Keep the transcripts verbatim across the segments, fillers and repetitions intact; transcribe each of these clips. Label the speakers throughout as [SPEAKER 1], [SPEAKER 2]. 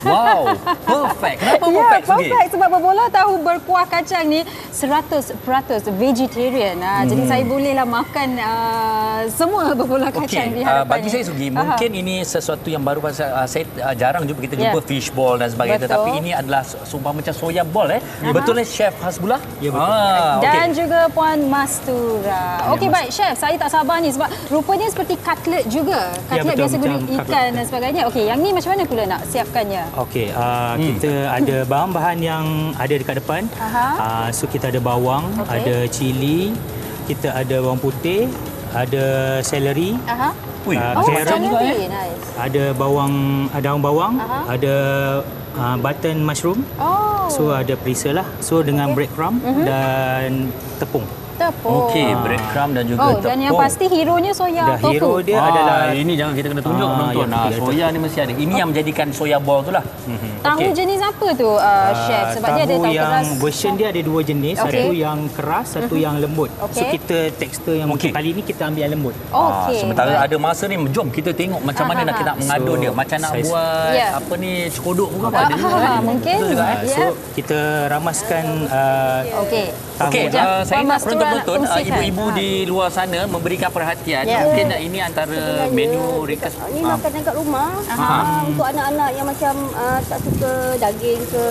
[SPEAKER 1] Wow, perfect. Kenapa
[SPEAKER 2] Ya,
[SPEAKER 1] perfect, Sugi?
[SPEAKER 2] perfect sebab berbola tahu berkuah kacang ni seratus peratus vegetarian. Ha, hmm. Jadi saya bolehlah makan uh, semua berbola kacang
[SPEAKER 1] Okey,
[SPEAKER 2] di
[SPEAKER 1] uh,
[SPEAKER 2] hadapan
[SPEAKER 1] bagi
[SPEAKER 2] ni.
[SPEAKER 1] saya Sugi, mungkin
[SPEAKER 2] Aha.
[SPEAKER 1] ini sesuatu yang baru pasal uh, saya uh, jarang jumpa kita
[SPEAKER 2] Ya.
[SPEAKER 1] jumpa fishball dan sebagainya,
[SPEAKER 2] Betul.
[SPEAKER 1] tetapi ini adalah sumpah macam soya ball eh.
[SPEAKER 2] Aha.
[SPEAKER 1] Betul eh Chef Hasbullah?
[SPEAKER 3] Ya, betul.
[SPEAKER 1] Ah,
[SPEAKER 2] Dan
[SPEAKER 1] okey.
[SPEAKER 2] juga Puan Mastura. Okey, baik Chef, saya tak sabar ni sebab rupanya seperti cutlet juga.
[SPEAKER 3] Ya,
[SPEAKER 2] Cutlet
[SPEAKER 3] betul,
[SPEAKER 2] biasa guna
[SPEAKER 3] macam
[SPEAKER 2] ikan dan sebagainya. Okey, yang ni macam mana pula nak siapkannya?
[SPEAKER 3] Okey, uh, hmm. kita ada bahan-bahan yang ada dekat depan.
[SPEAKER 2] Aha.
[SPEAKER 3] Uh, so kita ada bawang,
[SPEAKER 2] Okey.
[SPEAKER 3] ada cili, kita ada bawang putih, ada seleri,
[SPEAKER 2] Aha.
[SPEAKER 1] Ui,
[SPEAKER 3] uh,
[SPEAKER 2] Oh,
[SPEAKER 3] carrot,
[SPEAKER 1] macam juga, eh?
[SPEAKER 2] celery. Nice.
[SPEAKER 3] ada bawang, ada daun bawang,
[SPEAKER 2] Aha.
[SPEAKER 3] ada uh, button mushroom.
[SPEAKER 2] Oh.
[SPEAKER 3] So ada perisa lah. So dengan
[SPEAKER 2] Okey.
[SPEAKER 3] breadcrumb
[SPEAKER 2] Mhm.
[SPEAKER 3] dan tepung.
[SPEAKER 2] Tepung.
[SPEAKER 1] Okey, breadcrumb dan juga
[SPEAKER 2] Oh,
[SPEAKER 1] tepung.
[SPEAKER 2] dan yang pasti hero-nya soya
[SPEAKER 3] Dah
[SPEAKER 2] tofu.
[SPEAKER 3] hero dia
[SPEAKER 1] Ah,
[SPEAKER 3] adalah
[SPEAKER 1] ini jangan kita kena tunjuk
[SPEAKER 3] Ah,
[SPEAKER 1] penonton.
[SPEAKER 3] ya,
[SPEAKER 1] Ah,
[SPEAKER 3] betul,
[SPEAKER 1] soya ni mesti ada. Ini yang menjadikan soya ball tu lah.
[SPEAKER 2] Tahu
[SPEAKER 1] Okey.
[SPEAKER 2] jenis apa tu uh, chef? Sebab dia ada
[SPEAKER 3] tahu
[SPEAKER 2] tahu
[SPEAKER 3] yang
[SPEAKER 2] keras.
[SPEAKER 3] version dia ada dua jenis,
[SPEAKER 2] Okey.
[SPEAKER 3] satu yang keras, satu yang lembut.
[SPEAKER 2] Okey.
[SPEAKER 3] So kita tekstur yang
[SPEAKER 1] Okey.
[SPEAKER 3] untuk kali ni kita ambil yang lembut.
[SPEAKER 1] Ah,
[SPEAKER 2] Okey.
[SPEAKER 1] sementara
[SPEAKER 2] baik.
[SPEAKER 1] ada masa ni, jom kita tengok macam mana
[SPEAKER 2] Ah,
[SPEAKER 1] nak
[SPEAKER 2] ah,
[SPEAKER 1] kita
[SPEAKER 2] ah.
[SPEAKER 1] mengadun
[SPEAKER 3] So,
[SPEAKER 1] dia. Macam nak
[SPEAKER 3] saya-
[SPEAKER 1] buat
[SPEAKER 2] Ya.
[SPEAKER 1] apa ni, cekodok pun apa
[SPEAKER 2] Ah,
[SPEAKER 1] ada juga.
[SPEAKER 2] ah,
[SPEAKER 1] kan?
[SPEAKER 2] mungkin.
[SPEAKER 1] Betul juga, eh?
[SPEAKER 2] Ya.
[SPEAKER 3] So kita ramaskan uh,
[SPEAKER 2] Okey.
[SPEAKER 3] tahu.
[SPEAKER 1] Okey,
[SPEAKER 2] Sekejap.
[SPEAKER 1] uh, saya
[SPEAKER 2] Puan
[SPEAKER 1] nak
[SPEAKER 2] Mastura
[SPEAKER 1] penonton-penonton,
[SPEAKER 2] nak
[SPEAKER 1] uh,
[SPEAKER 2] kongsikan.
[SPEAKER 1] ibu-ibu
[SPEAKER 2] Ha.
[SPEAKER 1] di luar sana memberikan perhatian.
[SPEAKER 2] Ya.
[SPEAKER 1] Mungkin ini antara menu ringkas.
[SPEAKER 4] Ni
[SPEAKER 1] Ah.
[SPEAKER 4] makanan kat rumah.
[SPEAKER 2] Aha.
[SPEAKER 4] Ah, untuk anak-anak yang macam uh, tak suka daging ke,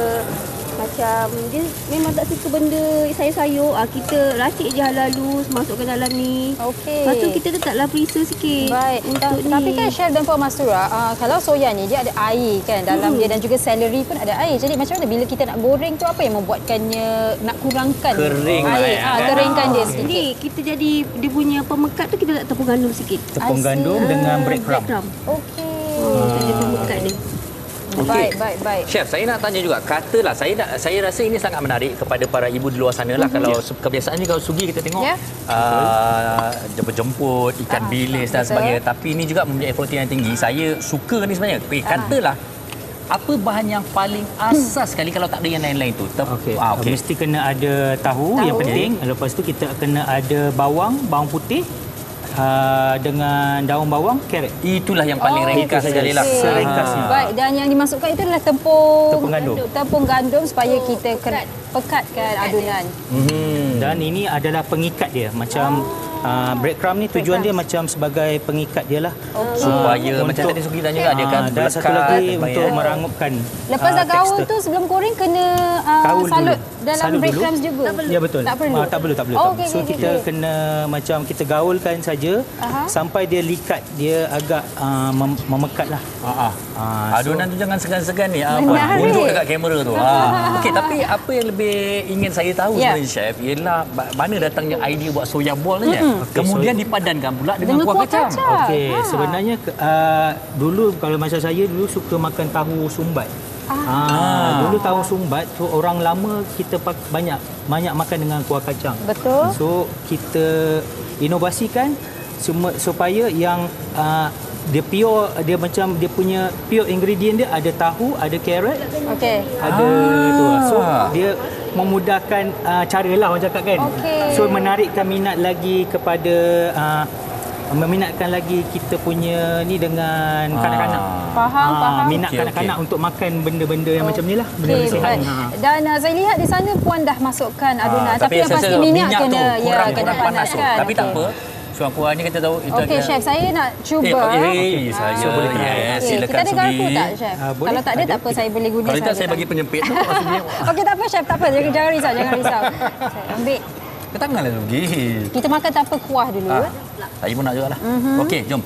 [SPEAKER 4] macam dia memang tak suka benda sayur-sayur, ah, kita racik je halus masukkan dalam ni.
[SPEAKER 2] Okey.
[SPEAKER 4] Lepas tu kita letaklah perisa sikit.
[SPEAKER 2] Baik.
[SPEAKER 4] untuk
[SPEAKER 2] Ta-
[SPEAKER 4] ni.
[SPEAKER 2] Tapi kan chef dan Puan Mastura, uh, kalau soya ni dia ada air kan dalam
[SPEAKER 4] Hmm.
[SPEAKER 2] dia dan juga celery pun ada air. Jadi macam mana bila kita nak goreng tu apa yang membuatkannya nak kurangkan
[SPEAKER 1] Kering lah,
[SPEAKER 2] air?
[SPEAKER 1] eh,
[SPEAKER 2] Ah,
[SPEAKER 1] kan?
[SPEAKER 2] keringkan dia
[SPEAKER 4] Jadi
[SPEAKER 2] sedikit.
[SPEAKER 4] kita jadi dia punya pemekat tu kita letak tepung gandum sikit.
[SPEAKER 3] Tepung
[SPEAKER 2] I see.
[SPEAKER 3] gandum dengan
[SPEAKER 4] Ah,
[SPEAKER 3] breadcrumb.
[SPEAKER 2] Okey.
[SPEAKER 4] Oh, jadi pemekat dia.
[SPEAKER 2] Baik, baik, baik.
[SPEAKER 1] Chef, saya nak tanya juga, katalah saya nak, saya rasa ini sangat menarik kepada para ibu di luar sana lah. Kalau kebiasaannya kalau sugi kita tengok
[SPEAKER 2] Ya.
[SPEAKER 1] uh, jemput-jemput, ikan
[SPEAKER 2] Ah,
[SPEAKER 1] bilis dan
[SPEAKER 2] betul.
[SPEAKER 1] sebagainya. Tapi ini juga mempunyai protein yang tinggi. Saya suka ni sebenarnya. Eh, katalah apa bahan yang paling asas sekali kalau tak ada yang lain-lain tu? Tep-
[SPEAKER 3] Okey,
[SPEAKER 1] ah,
[SPEAKER 3] okay.
[SPEAKER 1] okey.
[SPEAKER 3] Mesti kena ada tahu,
[SPEAKER 2] Tahu.
[SPEAKER 3] yang penting. Lepas tu kita kena ada bawang, bawang putih uh, dengan daun bawang, carrot.
[SPEAKER 1] Itulah yang paling
[SPEAKER 2] Oh,
[SPEAKER 1] ringkas
[SPEAKER 3] itu
[SPEAKER 1] sekali lah.
[SPEAKER 2] okey.
[SPEAKER 3] Seringkasnya.
[SPEAKER 2] Baik, dan yang dimasukkan itu adalah tepung
[SPEAKER 3] Tepung gandum.
[SPEAKER 2] Tepung gandum supaya kita ken- pekatkan adunan.
[SPEAKER 1] Hmm.
[SPEAKER 3] Dan ini adalah pengikat dia. Macam uh, breadcrumb ni tujuan dia macam sebagai pengikat dia lah.
[SPEAKER 2] Okey.
[SPEAKER 1] Supaya
[SPEAKER 3] Ah,
[SPEAKER 1] macam
[SPEAKER 3] untuk-
[SPEAKER 1] tadi Sugi tanya juga dia kan
[SPEAKER 3] Ah, dan satu
[SPEAKER 1] melekat
[SPEAKER 3] lagi
[SPEAKER 1] dan
[SPEAKER 3] untuk
[SPEAKER 1] sebagainya.
[SPEAKER 3] merangupkan
[SPEAKER 2] Lepas
[SPEAKER 3] ah,
[SPEAKER 2] dah gaul
[SPEAKER 3] tekstur.
[SPEAKER 2] tu sebelum goreng kena uh,
[SPEAKER 3] Kaul
[SPEAKER 2] salut
[SPEAKER 3] dulu.
[SPEAKER 2] dalam
[SPEAKER 3] Salut dulu.
[SPEAKER 2] breadcrumbs juga.
[SPEAKER 3] Ya betul.
[SPEAKER 2] Tak perlu.
[SPEAKER 3] Ah, tak perlu, tak perlu.
[SPEAKER 2] Oh,
[SPEAKER 3] tak
[SPEAKER 2] okey,
[SPEAKER 3] perlu. So
[SPEAKER 2] okey,
[SPEAKER 3] kita
[SPEAKER 2] okey.
[SPEAKER 3] kena macam kita gaulkan saja
[SPEAKER 2] Aha.
[SPEAKER 3] sampai dia likat, dia agak uh, mem- memekat lah.
[SPEAKER 1] Ah, ah.
[SPEAKER 3] Ah, so-
[SPEAKER 1] Adunan tu jangan segan-segan ni. Ah,
[SPEAKER 2] Menarik.
[SPEAKER 1] Puan. Unjuk dekat kamera tu. Ah. Okey, tapi apa yang lebih ingin saya tahu
[SPEAKER 2] Ya.
[SPEAKER 1] sebenarnya chef ialah ba- mana datangnya idea buat soya ball ni. Mm-hmm.
[SPEAKER 3] Okey,
[SPEAKER 1] Kemudian
[SPEAKER 3] so-
[SPEAKER 1] dipadankan pula dengan,
[SPEAKER 2] Dengan
[SPEAKER 1] kuah
[SPEAKER 2] kuah
[SPEAKER 1] kacang.
[SPEAKER 2] kacang.
[SPEAKER 3] Okey,
[SPEAKER 2] Ha.
[SPEAKER 3] sebenarnya uh, dulu kalau masa saya dulu suka makan tahu sumbat. Ah. Dulu tahu sumbat tu orang lama kita pak, banyak banyak makan dengan kuah kacang.
[SPEAKER 2] Betul.
[SPEAKER 3] So kita inovasikan semua supaya yang uh, dia pure, dia macam dia punya pure ingredient dia ada tahu, ada carrot,
[SPEAKER 2] Okey.
[SPEAKER 3] ada tu. So dia memudahkan uh, cara lah orang cakap kan.
[SPEAKER 2] Okey.
[SPEAKER 3] So menarikkan minat lagi kepada uh, meminatkan lagi kita punya ni dengan kanak-kanak.
[SPEAKER 2] Faham,
[SPEAKER 3] Ah,
[SPEAKER 2] faham.
[SPEAKER 3] minat
[SPEAKER 1] Okey,
[SPEAKER 3] kanak-kanak
[SPEAKER 1] okey.
[SPEAKER 3] untuk makan benda-benda yang macam ni lah, benda-benda
[SPEAKER 2] Okey,
[SPEAKER 3] sihat.
[SPEAKER 2] baik.
[SPEAKER 3] Ha.
[SPEAKER 2] Dan uh, saya lihat di sana Puan dah masukkan adunan.
[SPEAKER 1] Ah,
[SPEAKER 2] tapi, yang
[SPEAKER 1] saya
[SPEAKER 2] pasti
[SPEAKER 1] rasa
[SPEAKER 2] minyak,
[SPEAKER 1] minyak
[SPEAKER 2] kena
[SPEAKER 1] tu
[SPEAKER 2] ya
[SPEAKER 1] kurang,
[SPEAKER 2] kena
[SPEAKER 1] kurang panas tu.
[SPEAKER 2] panaskan.
[SPEAKER 1] Tapi tak
[SPEAKER 2] Okey.
[SPEAKER 1] apa. Suang kuah ni kita tahu itu
[SPEAKER 2] Okey
[SPEAKER 1] agak-
[SPEAKER 2] chef, saya nak cuba.
[SPEAKER 1] Eh, okey,
[SPEAKER 2] Ah.
[SPEAKER 1] saya
[SPEAKER 3] So, boleh try.
[SPEAKER 1] yes,
[SPEAKER 2] Okey,
[SPEAKER 1] silakan
[SPEAKER 2] kita ada garpu
[SPEAKER 1] Sugi.
[SPEAKER 2] tak chef?
[SPEAKER 3] Ah, boleh.
[SPEAKER 2] Kalau tak ada,
[SPEAKER 3] Ada.
[SPEAKER 2] tak apa, saya boleh guna
[SPEAKER 1] Kalau tak
[SPEAKER 2] sahaja
[SPEAKER 1] saya bagi
[SPEAKER 2] tangan.
[SPEAKER 1] penyempit tu. Sugi.
[SPEAKER 2] Okey, tak apa chef, tak apa. Jangan, jangan risau, jangan risau. Saya ambil.
[SPEAKER 1] Ke tangan lah Sugi.
[SPEAKER 2] Kita makan tanpa kuah dulu.
[SPEAKER 1] Ah,
[SPEAKER 2] eh.
[SPEAKER 1] saya pun nak juga lah. Okey, jom.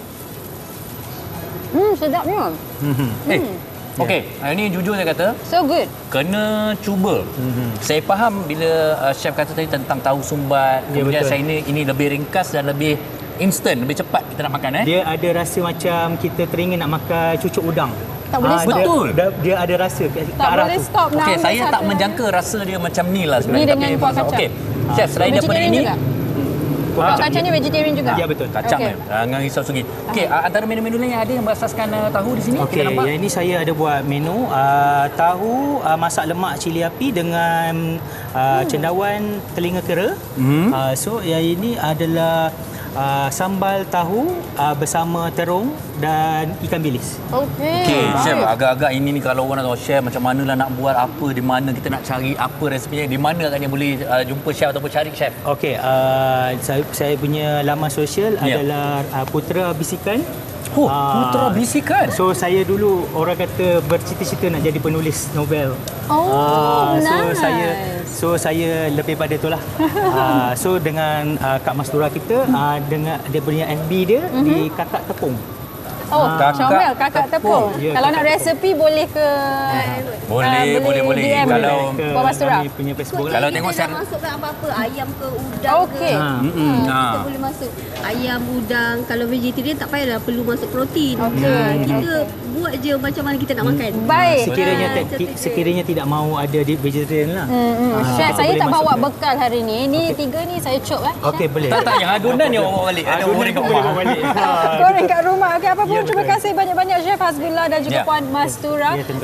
[SPEAKER 2] Hmm, sedapnya.
[SPEAKER 1] Eh, okey. Ini jujur saya kata,
[SPEAKER 2] So good.
[SPEAKER 1] kena cuba. Mm-hmm. Saya faham bila uh, chef kata tadi tentang tahu sumbat.
[SPEAKER 3] Ya,
[SPEAKER 1] Kemudian
[SPEAKER 3] betul.
[SPEAKER 1] saya ini ini lebih ringkas dan lebih instant, lebih cepat kita nak makan eh.
[SPEAKER 3] Dia ada rasa macam kita teringin nak makan cucuk udang.
[SPEAKER 2] Tak boleh
[SPEAKER 3] Ah,
[SPEAKER 2] stop.
[SPEAKER 3] dia-
[SPEAKER 1] Betul.
[SPEAKER 3] Dia, dia ada rasa ke, ke
[SPEAKER 2] Tak
[SPEAKER 3] arah
[SPEAKER 2] boleh
[SPEAKER 3] tu.
[SPEAKER 2] stop. nak
[SPEAKER 1] Okey,
[SPEAKER 2] ambil
[SPEAKER 1] saya tak
[SPEAKER 2] satu
[SPEAKER 1] menjangka rasa dia macam ni lah sebenarnya.
[SPEAKER 2] Ni dengan
[SPEAKER 1] Tapi-
[SPEAKER 2] kuah kacang.
[SPEAKER 1] Okey. Chef, selain daripada
[SPEAKER 2] Vegetarian
[SPEAKER 1] ini,
[SPEAKER 2] juga?
[SPEAKER 3] Kuah
[SPEAKER 2] Kuah
[SPEAKER 3] kacang.
[SPEAKER 2] kacang ni vegetarian juga?
[SPEAKER 3] Ya, betul.
[SPEAKER 1] kacang
[SPEAKER 2] Okey.
[SPEAKER 1] okay. eh. Jangan risau Sugi. Okey, uh, antara menu-menu lain yang ada yang berasaskan uh, tahu di sini,
[SPEAKER 3] Okey,
[SPEAKER 1] kita nampak.
[SPEAKER 3] yang ini saya ada buat menu uh, tahu uh, masak lemak cili api dengan uh, cendawan telinga kera.
[SPEAKER 1] Hmm.
[SPEAKER 3] Uh, so yang ini adalah uh, sambal tahu uh, bersama terung dan ikan bilis.
[SPEAKER 2] Okey.
[SPEAKER 1] Okey,
[SPEAKER 2] Baik.
[SPEAKER 1] chef, agak-agak ini ni kalau orang nak tahu chef macam mana lah nak buat apa, di mana kita nak cari apa resepinya, di mana agaknya boleh uh, jumpa chef ataupun cari chef?
[SPEAKER 3] Okey, uh, saya, saya punya laman sosial
[SPEAKER 1] Ya.
[SPEAKER 3] adalah uh, Putra Bisikan.
[SPEAKER 1] Oh,
[SPEAKER 3] Ah,
[SPEAKER 1] Putra Bisikan.
[SPEAKER 3] So saya dulu orang kata bercita-cita nak jadi penulis novel.
[SPEAKER 2] Oh,
[SPEAKER 3] Ah, so
[SPEAKER 2] nice.
[SPEAKER 3] saya so saya lebih pada itulah. uh, so dengan uh, Kak Mastura kita uh, dengan dia punya F B dia mm-hmm. di Kakak Tepung.
[SPEAKER 2] Oh,
[SPEAKER 1] Kakak
[SPEAKER 2] comel kakak tepung.
[SPEAKER 3] Ya,
[SPEAKER 2] Kalau
[SPEAKER 3] kakak
[SPEAKER 2] nak resepi boleh ke
[SPEAKER 1] Boleh,
[SPEAKER 2] ah,
[SPEAKER 1] boleh, boleh.
[SPEAKER 2] D M
[SPEAKER 1] Kalau-
[SPEAKER 3] ke
[SPEAKER 2] Puan Mastura.
[SPEAKER 3] kami punya Facebook lah.
[SPEAKER 1] Kalau
[SPEAKER 4] Kita
[SPEAKER 1] tengok
[SPEAKER 4] nak
[SPEAKER 1] secara-
[SPEAKER 4] masukkan apa-apa, ayam ke udang
[SPEAKER 2] Okey.
[SPEAKER 4] ke.
[SPEAKER 3] Ha.
[SPEAKER 1] Mm-mm.
[SPEAKER 4] Kita
[SPEAKER 1] Ha.
[SPEAKER 4] boleh masuk ayam, udang. Kalau vegetarian tak payahlah perlu masuk protein.
[SPEAKER 2] Okey.
[SPEAKER 4] Ha, kita buat je macam mana kita nak makan.
[SPEAKER 2] Baik.
[SPEAKER 3] Sekiranya
[SPEAKER 4] Ah,
[SPEAKER 3] te-
[SPEAKER 4] macam tu je.
[SPEAKER 3] sekiranya tidak mahu ada di vegetarian lah.
[SPEAKER 2] Hmm,
[SPEAKER 3] Ah,
[SPEAKER 2] chef,
[SPEAKER 3] kita
[SPEAKER 2] saya
[SPEAKER 3] boleh
[SPEAKER 2] tak bawa
[SPEAKER 3] masukkan.
[SPEAKER 2] bekal hari ni. Ni tiga ni saya cop eh.
[SPEAKER 3] Okey, boleh.
[SPEAKER 1] Tak, tak, yang adunan ni orang bawa balik. Ada
[SPEAKER 3] Adunan
[SPEAKER 1] orang kat
[SPEAKER 3] pun boleh
[SPEAKER 1] rumah.
[SPEAKER 3] bawa balik.
[SPEAKER 2] Goreng kat rumah. Okey, apa pun
[SPEAKER 3] Ya,
[SPEAKER 2] terima
[SPEAKER 3] betul.
[SPEAKER 2] kasih banyak-banyak Chef Hasbullah dan juga
[SPEAKER 1] Ya.
[SPEAKER 2] Puan Mastura.
[SPEAKER 3] Ya, tentu.